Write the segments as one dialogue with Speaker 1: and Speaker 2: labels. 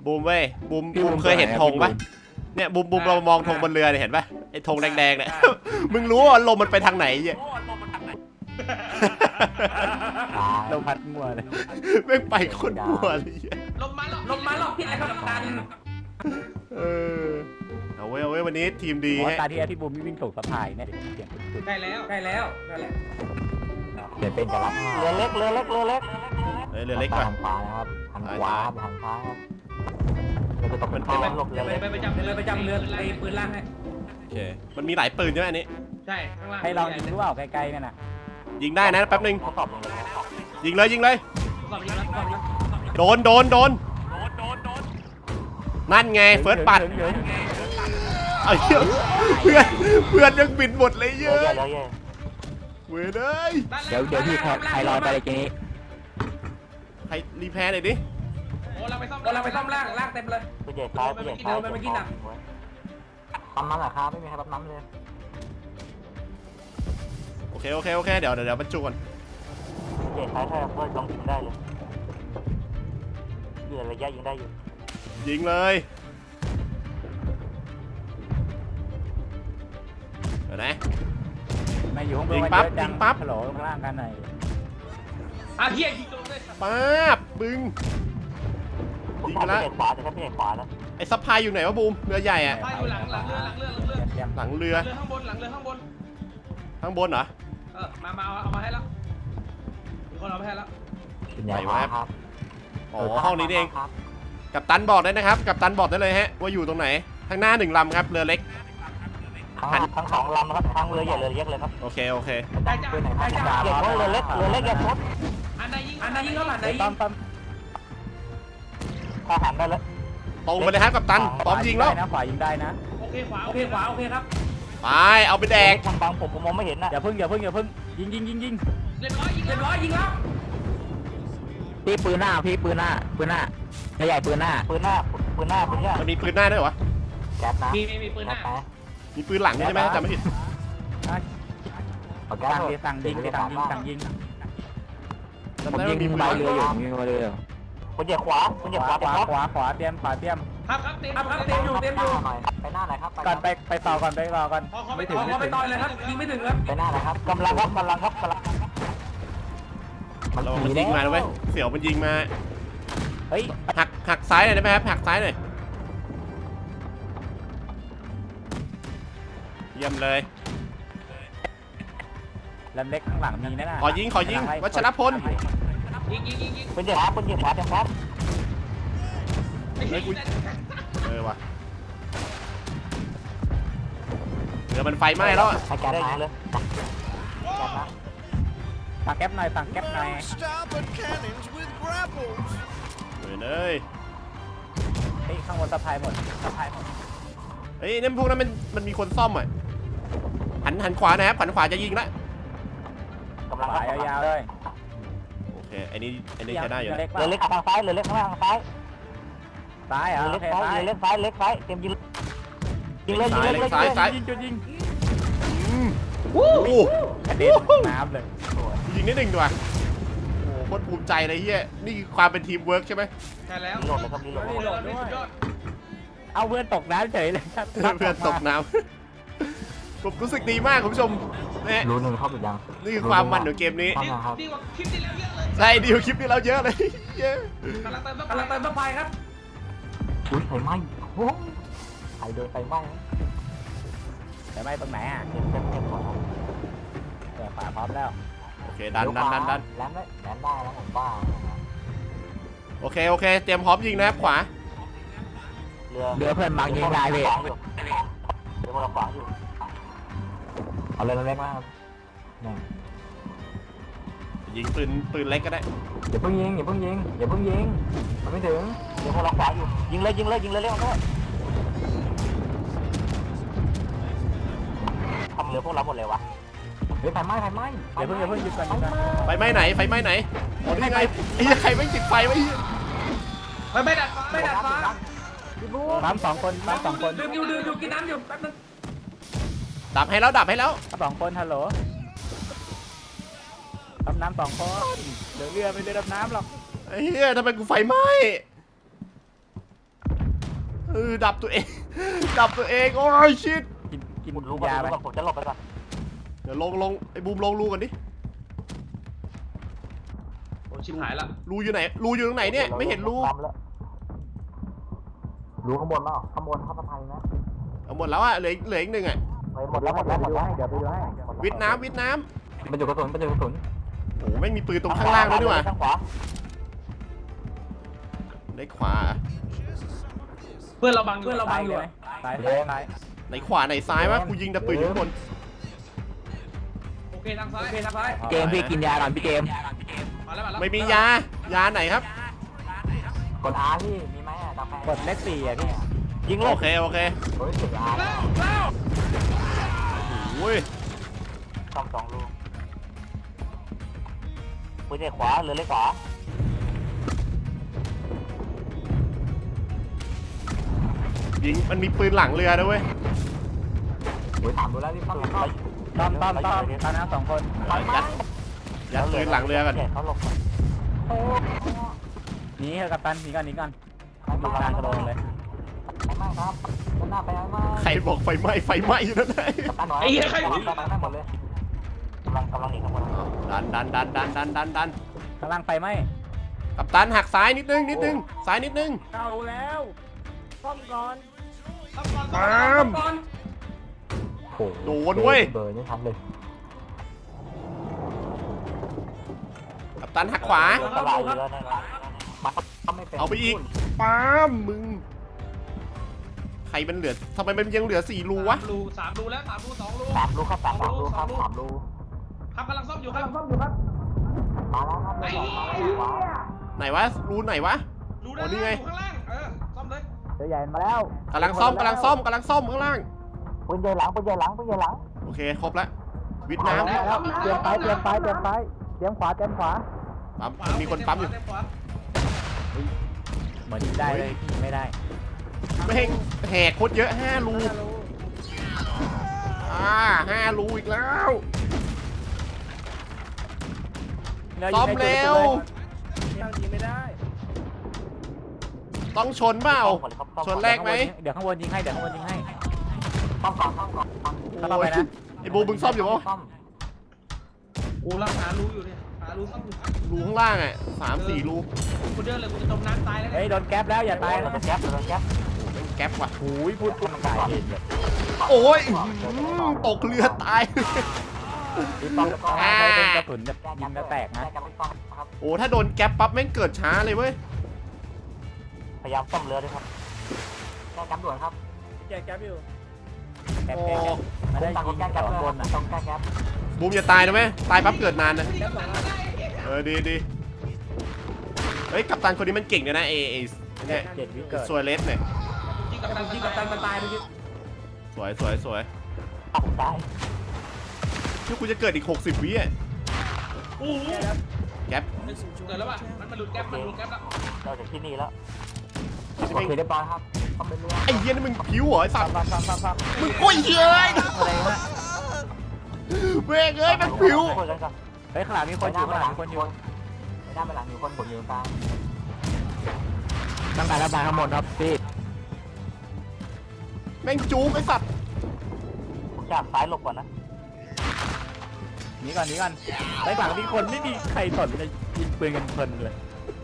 Speaker 1: บูมเว้ยบูมเคยเห็นธงปะเนี่ยบูมเรามองธงบนเรือเนี่ยเห็นปะไอ้ธงแดงๆเนี่ยมึงรู้ว่าลมมันไปทางไหนเนี่ย
Speaker 2: ลมพัดมั่วเลย
Speaker 1: ไม่ไปคนมั่วเลย
Speaker 3: ลมมาหรอกพี่ไอ้ครับกัน
Speaker 1: เอาเว้ยวันนี้ทีมดี
Speaker 2: เพราะ
Speaker 1: ฮะ
Speaker 2: ตาที่พี่บูมวิ่งส่งสะพายเนี่ยเสียงสุด
Speaker 3: ได้แล้ว
Speaker 2: เดี๋ยวเป็นจะรับเรือเล็ก
Speaker 1: เรือเล็กก่อน
Speaker 2: หันขวานะครับหันขวาหันซ้ายครับเราจะตกเป็นข้าวหลบเลย
Speaker 3: ไปประจำเรือไอ้ปืนล่างให้
Speaker 1: โอเคมันมีหลายปืนใช่ไหมอันนี้
Speaker 3: ใช่ข้างล่าง
Speaker 2: ให้ลองยิงรู้เปล่าไกลๆนั่นน่ะ
Speaker 1: ยิงได้นะแป๊บนึง
Speaker 2: เขาตอบลงเลย
Speaker 1: ยิงเลย
Speaker 3: สอบยิงแล้ว
Speaker 1: โดนนั่นไงเฟิร์สปัดไอ้เหี้ยเพื่อนยังบินหมดเลยเยอะเว้ยเลย
Speaker 2: เดี๋ยวพี่ใครรอไปเลยเจ๊
Speaker 1: ใครรีแพร์หน่อยดิ
Speaker 3: โอ้เราไปซ่อมล่างเต็มเลย
Speaker 2: ผู้ใหญ่ซ้ายปั๊มน้ำเหรอครับไม่มีใครปั๊มน้ำเลย
Speaker 1: โอเคเดี๋ยวบรรจุก่อน
Speaker 2: ผู้ใหญ่ซ้ายถ้าเพื่อนลองยิงได้เลยเรือระยะยิงได้อยู่
Speaker 1: ยิงเลยเดี๋ยวนะ
Speaker 2: ไม่อยู่ข้างบน
Speaker 1: ยิงปั๊บ
Speaker 2: ฮัลโหลข้างล่างกันหน่อย
Speaker 3: เฮียยิงตรงเลย
Speaker 1: ป๊าบบึ้งยิงกันละ
Speaker 2: ขวาแต่ถ้าไม่ใช่ขวาแล้ว
Speaker 1: ไอ้ซัพพลายอยู่ไหนวะบูมเรือใหญ่อะ
Speaker 3: ไปอยู่หลังเรือ
Speaker 1: หลังเรือ
Speaker 3: ข้างบนหลังเรือข้างบน
Speaker 1: ข้างบนเหรอ
Speaker 3: มาเอามาให้แล้วมีคนเอาไปให้แล้ว
Speaker 1: อ๋อห้องนี้เองกัปตันบอกได้นะครับกัปตันบอกได้เลยฮะว่าอยู่ตรงไหนข้างหน้า1 ลำครับเรือเล็ก
Speaker 2: ทั้ง2 ลำนะครับทั้งเรือใหญ่เรือเล็กเลยครับ
Speaker 1: โอเค
Speaker 3: ได้จ้า
Speaker 2: เรือเล็กอย่าชด
Speaker 3: อันใดยิงแล้วอันใดยิง
Speaker 2: ปั๊มทหารได้แล้ว
Speaker 1: ตรงไปเลยครับกัปตันพร้อมยิงแล้ว
Speaker 2: ขวายิงได้นะ
Speaker 3: โอเคขวาโอเคครับ
Speaker 1: ไปเอาไปแดก
Speaker 2: มันบังผมมองไม่เห็นนะอย่าเพิ่งยิง
Speaker 3: เรียบร้อยยิงแล้ว
Speaker 2: พี่ปืนหน้าใหญ่ปืนหน้า
Speaker 1: มันมีปืนหน้าด้วยวะ
Speaker 2: แก๊สนะ
Speaker 3: มีปืนหน้า
Speaker 1: มีปืนหลังด้วยใช่ไหมจำไม่ผิด
Speaker 2: สั่งยิงผมยิงใบเรืออยู่คนเหยียบขวาเตรียม
Speaker 3: ครับเต็มอยู่
Speaker 2: ไปหน้าไหนครับก่อนไปต่อก่อน
Speaker 3: ไม่ถึงไปต่อยเลยครับยิงไม่ถึงครับ
Speaker 2: ไปหน้าไหนครับกำลังมัน
Speaker 1: ยิงมาแล้วเว้ยเสี่ยวมันยิงมา
Speaker 2: เฮ้ย
Speaker 1: หักซ้ายหน่อยได้ไหมครับหักซ้ายหน่อยเยี่ยมเลย
Speaker 2: ลำเล็กข้างหลังมีนะ
Speaker 1: ขอยิงวัชรพล
Speaker 3: ยิง
Speaker 2: คนเหยียบขวาเต็มครับ
Speaker 1: ว่ะเรือมันไฟไหม้แล้ว
Speaker 2: ให้แก๊สได้เลยสั่งแก๊ปหน่อย
Speaker 1: เลย
Speaker 2: เฮ้ยข้างบนสะพายหมด
Speaker 1: เฮ้ยนี่พวกนั้นมันมีคนซ่อมอ่ะหันขวานะครับหันขวาจะยิงละ
Speaker 2: กำลังยาวเลย
Speaker 1: โอเคอันนี้ใช้ได้อยู่นะ
Speaker 2: เรือเล็กทางซ้ายเรือเล็กข้างล่างซ้ายเหรอเรือเล็กซ้ายเตรียมยิงเลย
Speaker 1: ซ้าย
Speaker 2: ยิง
Speaker 1: โอ้โห
Speaker 2: กระเด็นน้ำเลย
Speaker 1: ยิงนิดหนึ่งดีกว่าโอ้โคตรภูมิใจเลยเฮียนี่คือความเป็นทีมเวิร์กใช่ไหม
Speaker 3: ใช่แล้ว
Speaker 2: รีโหลดเลยครับรีโหลด
Speaker 3: นี่โหลดด้วย
Speaker 2: เอาเพื่อนตกน้ำเฉยเลยครับ
Speaker 1: เพื่อนตกน้ำผมรู้สึกดีมากคุณผู้ชมเนี่ย
Speaker 2: รู้หนึ่งเข้าไปยัง
Speaker 1: นี่คือความมันของเกมนี้
Speaker 3: ดีกว่าคลิปที่แล้วเยอะเลย
Speaker 1: ใช่ดีกว่าคลิปที่เราเยอะเลยเย้
Speaker 3: กำลังเติมไฟครับ
Speaker 2: อุ้ยไฟไหม้โอ้ใครโดนไฟไหม้ไฟไหม้ตรงไหนอ่ะเต็มหมดฝาพร้อมแล้ว
Speaker 1: โอเคดัน
Speaker 2: แลนได้แล้วผมบ้า
Speaker 1: โอเคเตรียมพร้อมยิงนะครับขวา
Speaker 2: เรือเพื่อนบางยิงได้พี่เรือพวกเราขวางอยู่เอาเลยเล็กมาก
Speaker 1: ยิงปืนเล็กก็ได้
Speaker 2: อย่าเพิ่งยิงมันไม่ถึงเรือพวกเราขวางอยู่ยิงเลยเร็วๆด้วยทำเรือพวกเราหมดเลยวะเฮ้ยไฟไหม้อย่าเพิ่งหยุดก่อน
Speaker 1: ไฟไหม้ไหนโอ้นี่ไงไอ้ใครไม่ติดไฟไว้
Speaker 3: ไม่ดัดฟ้า
Speaker 2: ปั๊ม2 คน
Speaker 3: ดื่มอยู่กินน้ำอยู่แป๊บนึง
Speaker 1: ดับให้แล้ว
Speaker 2: 2 คนฮัลโหลดำน้ำ2 คนเดี๋ยวเรือไม่ได้ดำน้ำหรอก
Speaker 1: ไอ้เหี้ยทำไมกูไฟไหม้ดับตัวเอง ดับตัวเองโอ้ยชิต
Speaker 2: กินรู้ก่อนผมจะหลบไปก่อน
Speaker 1: เดี๋ยวลงไอ้บูมลงรูกันดิ
Speaker 3: โอ้ชิบหายละ
Speaker 1: รูอยู่ไหนรูอยู่ตรงไหนเนี่ยไม่เห็นรู
Speaker 2: รู้ข้างบนแล้วข้างบนข้างสะพานนะ
Speaker 1: เอาหมดแล้วอ่ะเหลืออีกหนึ่งอ่ะ
Speaker 2: หมดแล้วเดี๋ยวไปดูให้
Speaker 1: วิทน้ำ
Speaker 2: มันอยู่กระสุน
Speaker 1: โอ้ไม่งมีปืนตรงข้างล่างด้วยนี่หว่า
Speaker 2: ข้างขวา
Speaker 1: ในขวา
Speaker 3: เพื่อนเราบังอยู่ไหม
Speaker 2: ซ้าย
Speaker 1: ในขวาไหนซ้ายวะกูยิงแต่ปืนอยู่ข้างบน
Speaker 3: โอเคทางซ้าย
Speaker 2: เกมพี่กินยาก่อนพี่เกม
Speaker 3: มาแล้ว
Speaker 1: ไม่มียาไหนครับ
Speaker 2: กด R พี่มีไหมอ่ะกดเลข4อ่ะพี่ยิง
Speaker 1: โอเค
Speaker 2: เฮ้ยกด R
Speaker 3: แล้ว
Speaker 1: โอ้ย
Speaker 2: ซ่อม2ลูกปืนเลขขวาหรือเลขขวา
Speaker 1: ยิงมันมีปืนหลังเรือด้วยเว้ย
Speaker 2: โอ้ยถามดูแล้วพี่ต้อมตอนนั้น2 คน
Speaker 1: ยัดปืนหลังเรือกัน
Speaker 2: เขาหลบหนีกัปตันหนีก่อนดูทางกระโดดเลยไม่ครับหน้าไปไม่
Speaker 1: ใครบอกไฟไหม้อยู่นั่นไง
Speaker 3: ไอ้เหี้ยใคร
Speaker 2: หมดเลยกำลังหนีข้างบน
Speaker 1: ดัน
Speaker 2: ข้างล่างไฟไหม
Speaker 1: กัปตันหักซ้ายนิดนึงซ้ายนิดนึง
Speaker 2: เอาแล้วซ่อมก่อน
Speaker 1: ปาม โดนเว้ย
Speaker 2: เบอร์นี่ทันเลย
Speaker 1: กัปตันหักขวา
Speaker 2: ตลาดเรือนั่นแหละ
Speaker 1: เอาไปอีกปามมึงใครมันเหลือทำไมมันยังเหลือ4รูวะ
Speaker 3: 3 รูแล้ว3 รู 2 รู
Speaker 2: 3 รูครับ3 รูครับ3 รู
Speaker 3: ครับกำลังซ่อมอยู่ครับ
Speaker 2: มาแล้วครับ
Speaker 3: ไอ้
Speaker 1: ไหนวะรูไหนวะ
Speaker 3: รูด้าน
Speaker 1: นี่ไง
Speaker 3: ล่างข้างล่างซ่อมเลย
Speaker 2: เรือใหญ่มาแล้ว
Speaker 1: กำลังซ่อมข้างล่าง
Speaker 2: ปืนใหญ่หลัง
Speaker 1: โอเคครบแล้ววิทน้ำ
Speaker 2: เตรียมไปเตรียมขวา
Speaker 1: ปั๊มมีคนปั๊มอยู่
Speaker 2: เหมือนยิงได้เลยพี่ไม่ได้
Speaker 1: แม่งแหกโคตรเยอะ5 รู5 รูอีกแล้วซ่อมเร็ว
Speaker 2: ไม่ได้
Speaker 1: ต้องชนเปล่าชนแรกไหม
Speaker 2: เดี๋ยวข้างบนยิงให้ซ่อมก่อนเข้าไปนะ
Speaker 1: ไอ้บูมึงซ่อมอยู่ปะ
Speaker 3: กูรักหารูอยู่เนี่ยหารูซ่อมอยู่
Speaker 1: รูข้างล่างอ่ะ3-4 รู
Speaker 3: กูเดินเลยกูจะจมน้ำตายแล้ว
Speaker 2: เฮ้ยโดนแก๊ปแล้วอย่าตายนะแก๊ป
Speaker 1: แก๊ปว่ะ
Speaker 2: หูยพูดมันตายเองเลย
Speaker 1: โอ้ยตกเรือตาย
Speaker 2: ต้องเป็นกระสุนแบบยิงแล้วแตกนะ
Speaker 1: โอ้ถ้าโดนแก๊ปปั๊บแม่งเกิดช้าเลยเว้ย
Speaker 2: พยายามซ่อมเรือด้วยครับแก้แก๊ปด่วนครับแก้แก๊ปอยู่แก๊ปมาได้ยิงแก๊ปบนต้องแก้แก๊ป
Speaker 1: บูมอย่าตายนะแม่ตายปั๊บเกิดนานนะดีเฮ้ยกัปตันคนนี้มันเก่งเลยนะเนี่ย
Speaker 2: 7 วิเกิด
Speaker 1: สวยเลสเนี่ย
Speaker 3: ยิงกับตันมันตายไปยิง
Speaker 1: สวย
Speaker 2: ตาย
Speaker 1: ที่กูจะเกิดอีก60 วิอ่ะ
Speaker 3: โอ้โห
Speaker 1: แก๊ป
Speaker 3: เกิดแล้วป่ะมันหลุดแก๊ปแล้ว
Speaker 2: เราจากที่นี่แล้วโอเคเรียบร้อยครับซ่อมเรือ
Speaker 1: ไอ้เหี้ยนี่มึงผิวเหรอไอ้สัตว์
Speaker 2: ซ่อม
Speaker 1: มึงกุ้ยเฮ้ย
Speaker 2: อะไรฮะ
Speaker 1: เว้ยเอ้ยมันผิว
Speaker 2: เฮ้ยข้างหลังมีคนอยู่ไม่ได้ไปหลังมีคนผมอยู่กลางตั้งแต่ระบายทั้งหมดครับพี่
Speaker 1: แม่งจู๊กไอ้สัตว์
Speaker 2: จากซ้ายหลบก่อนนะหนีก่อนไปหลังมีคนไม่มีใครสนจะยิงปืนกันเพลินเลย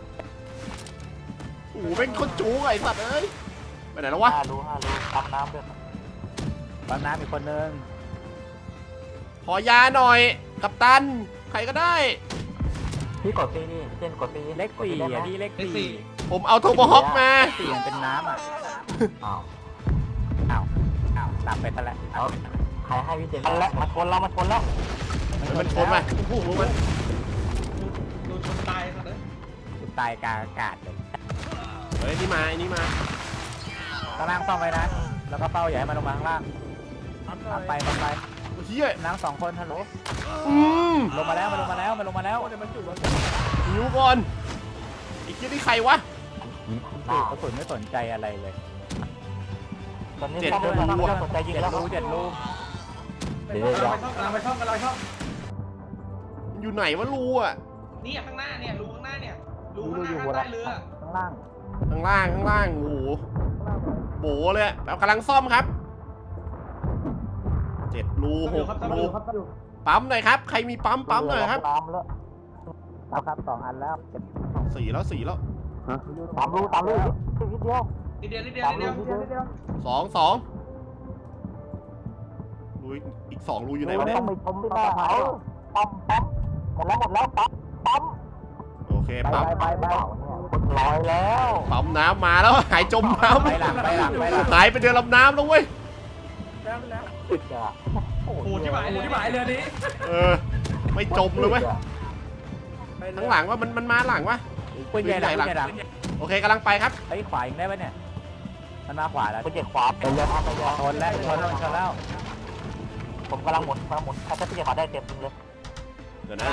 Speaker 1: โอ้โหแม่งคนจู๊กไอ้สัตว์เอ้ยไปไหนแล้ววะ
Speaker 2: 5 รูปั๊มน้ำด้วยปั๊มน้ำอีกคนนึง
Speaker 1: ขอยาหน่อยกัปตันใครก็ได้
Speaker 2: พี่กดปีนี่เจนกดปีเลข4อ่ะพี่เลข4
Speaker 1: ผมเอาโทโบฮอคมา
Speaker 2: 4มันเป็นน้ำอ่ะอ้าวหลับไปซะแล้วใครให้พี่เจนแล้วมาชนแล้ว
Speaker 1: มันชนมาโอ้โหมัน
Speaker 3: โดนชนตายเลย
Speaker 2: ตายกลางอากาศเลย
Speaker 1: เฮ้ยนี่มา
Speaker 2: ข้างล่างซ่อมไว้นะแล้วก็เป้าอย่าให้มันลงมาข้างล่างไป
Speaker 1: เฮีย
Speaker 2: นั่ง2 คนฮัลโหล ลงมาแล้ว
Speaker 1: หิวก่อนไอ้เฮียนี่ใครวะ
Speaker 2: กระสุนไม่สนใจอะไรเลยตอนนี้
Speaker 1: 7 รู
Speaker 2: สนใจยิงแล้ว7 รู
Speaker 3: กำลังไปช่อง
Speaker 1: อยู่ไหนวะรูอ่ะ
Speaker 3: นี่ข้างหน้าเนี่ยรูข้างหน้าเนี่ยรูข้างหน้าข้างใต้เรือ
Speaker 2: ข้างล่าง
Speaker 1: ข้างล่างโอ้โหโบเลยแบบกำลังซ่อมครับ7 รู 6 รูปั๊มหน่อยครับใครมีปั๊มหน่อยครับ
Speaker 2: ปั๊มแล้วครับ2 อันแล้ว
Speaker 1: 4 แล้ว
Speaker 2: 3 รูนิดเดียว
Speaker 3: นิดเดียวนิดเดียวนิดเดียว
Speaker 1: 2 รูอีก 2 รูอยู่ไหนวะเนี่ย
Speaker 2: ต้องไปชมที่หน้าเขาปั๊มหมดแล้วปั๊ม
Speaker 1: โอเคปั๊ม
Speaker 2: ไปลอยแล้ว
Speaker 1: ปั๊มน้ำมาแล้วหายจมน้ำ
Speaker 2: ไปหลัง
Speaker 1: หายไปเดินลำน้ำแล้วเว้ย
Speaker 2: ติดอ่ะ
Speaker 3: โอ้โหที่หมายเรือนี้
Speaker 1: ไม่จมเลยเว้ยทั้งหลังว่ามันมาหลังวะ
Speaker 2: ปืนใหญ่หลัง
Speaker 1: โอเคกำลังไปครับ
Speaker 2: ไอ้ขวาอีกได้ไหมเนี่ยมันมาขวาแล้วปืนใหญ่ขวาเป็นเลยชนแล้วผมกำลังหมุนถ้าปืนใหญ่ขวาได้เต็มเลย
Speaker 1: เดี๋ยวนะ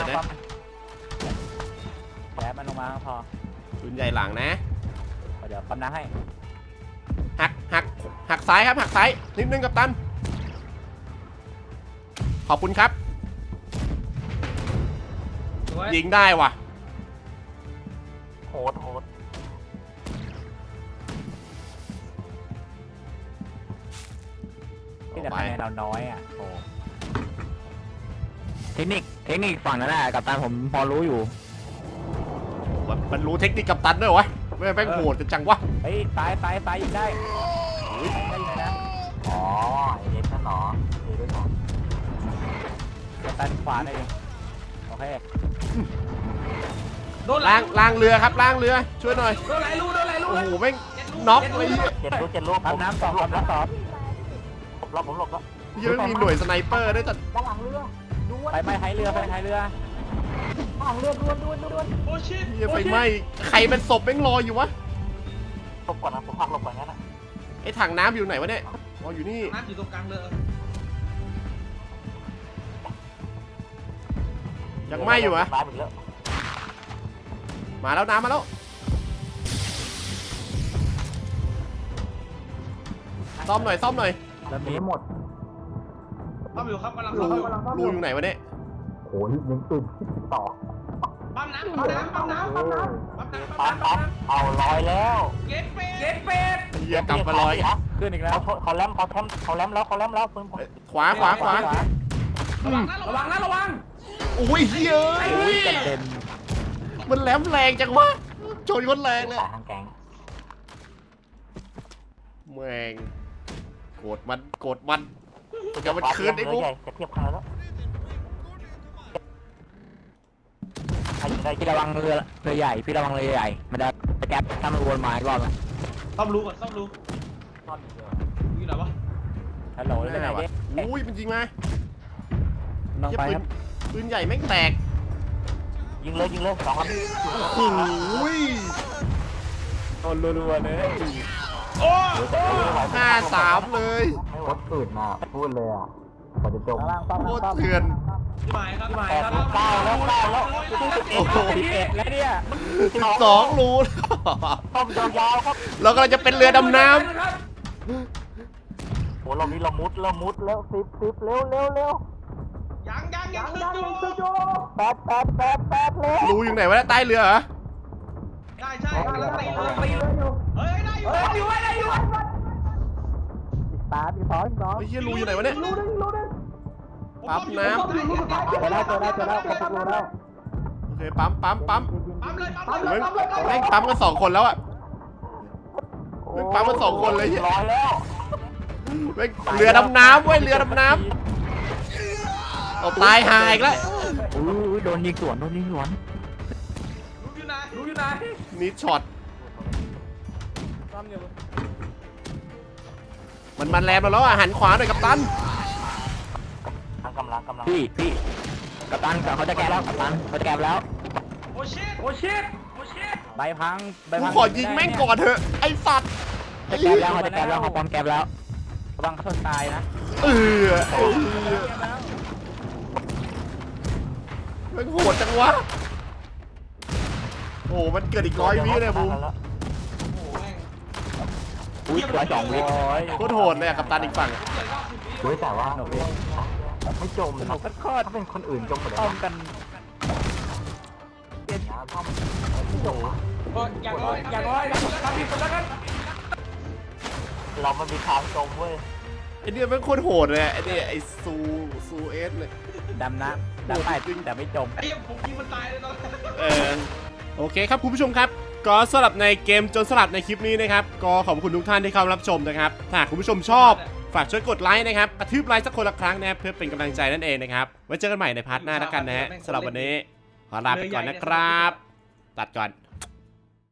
Speaker 2: แผลมันลงมาพอ
Speaker 1: ปืนใหญ่หลังนะ
Speaker 2: เดี๋ยวปั๊มน้ำให้
Speaker 1: หักซ้ายครับหักซ้ายนิดนึงกัปตันขอบคุณครับยิงได้ว่ะ
Speaker 2: โหดที่แต่คะแนนเราน้อยอ่ะโอ้เทคนิคฝั่งนั้นแหละกัปตันผมพอรู้อยู่
Speaker 1: มันรู้เทคนิคกัปตันด้วยวะไม่แม่งโหดจังวะ
Speaker 2: เฮ้ยตายยิงได้นะอ๋อไอ้เด็กนั่นหรอเด็กด้วยหรอกัปตันขวาได้ดิโอเค
Speaker 1: ล้างเรือครับล้างเรือช่วยหน่อย
Speaker 3: โดนไหลรู
Speaker 1: โอ้โหแม่งน็อกเลย
Speaker 2: 7 รูผมน้ำต่อผมหลบแล้ว
Speaker 1: ยังมีหน่วยสไนเปอร์ด้วยจัด
Speaker 2: ด้านหลังเรือไปท้ายเรือด้านหลังเรือดวน
Speaker 3: โอ้ชิต
Speaker 1: ไฟไหม้ใครเป็นศพแม่งลอยอยู่วะ
Speaker 2: หลบก่อนนะผมพักหลบก่อนงั้นนะ
Speaker 1: ไอ้ถังน้ำอยู่ไหนวะเนี่ยอ๋ออยู่นี่
Speaker 3: น้ำอยู่ตรงกลางเรือ
Speaker 1: ยังไหม้อยู่อะมาแล้วน้ำมาแล้วซ่อมหน่อย
Speaker 2: แล้วมีหมด
Speaker 3: ซ่อมอยู่ครับกำลัง
Speaker 1: รูอยู่ไหนวะเนี่ย
Speaker 2: โหยิงตื่นต่อ
Speaker 3: ปั๊มน้ำ
Speaker 2: เอาลอยแล้ว
Speaker 3: เก็ตเป็ด
Speaker 1: เฮียกลับมาลอย
Speaker 2: ขึ้นอีกแล้วเขาแลมแล้วปืน
Speaker 1: ขวา
Speaker 3: ระวัง
Speaker 1: อุ้ยเฮีย
Speaker 2: กระเด็น
Speaker 1: มันแหลมแรงจังวะโจยคนแรงเลยแม่งโกรธมันจะมันคืนไอ้บุ๊ก
Speaker 2: จะเทียบคันแล้วพี่ระวังเรือใหญ่มันจะแก๊ปถ้ามันวนมาอีกรอบนะ
Speaker 3: ซ่อมรูอยู่ไหนวะ
Speaker 2: ฮัลโหลได้ไหม
Speaker 1: อุ้ยมันยิงมาปืนใหญ่แม่งแตก
Speaker 2: ยิงเลย2 ลำ
Speaker 1: โอ้ย
Speaker 2: โดนรัวๆเลย
Speaker 3: โอ้
Speaker 1: 5-3เลย
Speaker 2: ไม่วัดปืนมาพูดเลยอ่ะพอจะจม
Speaker 1: โคตรเถื่อน
Speaker 3: ที่หมายครับ
Speaker 2: 9แล้วโอ้โห11แล้วเนี่ย
Speaker 1: 12 รู
Speaker 2: ต้มยาวครับ
Speaker 1: เรากำลังจะเป็นเรือดำน้ำ
Speaker 2: โหเรามีละมุดแล้ว10เร็ว
Speaker 3: ยังขึ้นอยู่
Speaker 2: 8เลย
Speaker 1: รูอยู่ไหนวะใต้เรือเหรอ
Speaker 3: ใช่ตีเลยเฮ้ยได้อยู่
Speaker 2: ตาที่2
Speaker 1: ไอ้เหี้ยรูอยู่ไหนวะเนี่ยปั๊มน้ำ
Speaker 2: เจอแล้ว
Speaker 1: โอเคปั๊ม
Speaker 3: เลย
Speaker 1: แม่งปั๊มกัน2 คนแล้วอ่ะแม่งปั๊มกัน2 คนเลยเหี้ยแม่งเรือดำน้ำเว้ยเรือดำน้ำเอาตายหายอีกแล้ว
Speaker 2: โดนยิงสวน
Speaker 3: รู้อยู่ไหน
Speaker 1: นี่ช็อตมันแรงแล้วอ่ะหันขวาหน่อยกัปตัน
Speaker 2: กำลังพี่กัปตันเขาจะแก้แล้ว
Speaker 3: โอ้ชิต
Speaker 2: ใบพัง
Speaker 1: กูขอยิงแม่งก่อนเถอะไอ้สัตว์
Speaker 2: จะแก้แล้วเขาปอมแก้แล้วระวังเขาตายนะ
Speaker 1: มันโหดจังวะโอ้มันเกิดอีก100 วิเลยบูม
Speaker 2: 102 วิ
Speaker 1: โคตรโหดเลยกัปตันอีกฝั่ง
Speaker 2: แต่ว่าไม่จมถ้าเป็นคนอื่นจมหมดเลยกันเปลี่ยนท่อมไม่จม
Speaker 3: อย่างน้อยทำผิดคนแล้วกัน
Speaker 2: เรามันมีทางตรงเว้ย
Speaker 1: ไอเนี่ยมันโคตรโหดเลยไอเนี่ยไอซูเอสเลย
Speaker 2: ดำน้ำดำไปแต่ไม่จม
Speaker 3: ไอ้ผมยิงมันตายเลยตอนนั้น
Speaker 1: โอเคครับคุณผู้ชมครับก็สำหรับในเกมโจรสลัดในคลิปนี้นะครับก็ขอบคุณทุกท่านที่เข้ารับชมนะครับถ้าหากคุณผู้ชมชอบฝากช่วยกดไลค์นะครับกระทืบไลค์สักคนละครั้งนะครับเพื่อเป็นกำลังใจนั่นเองนะครับไว้เจอกันใหม่ในพาร์ทหน้าแล้วกันนะฮะสำหรับวันนี้ขอลาไปก่อนนะครับตัดก่อน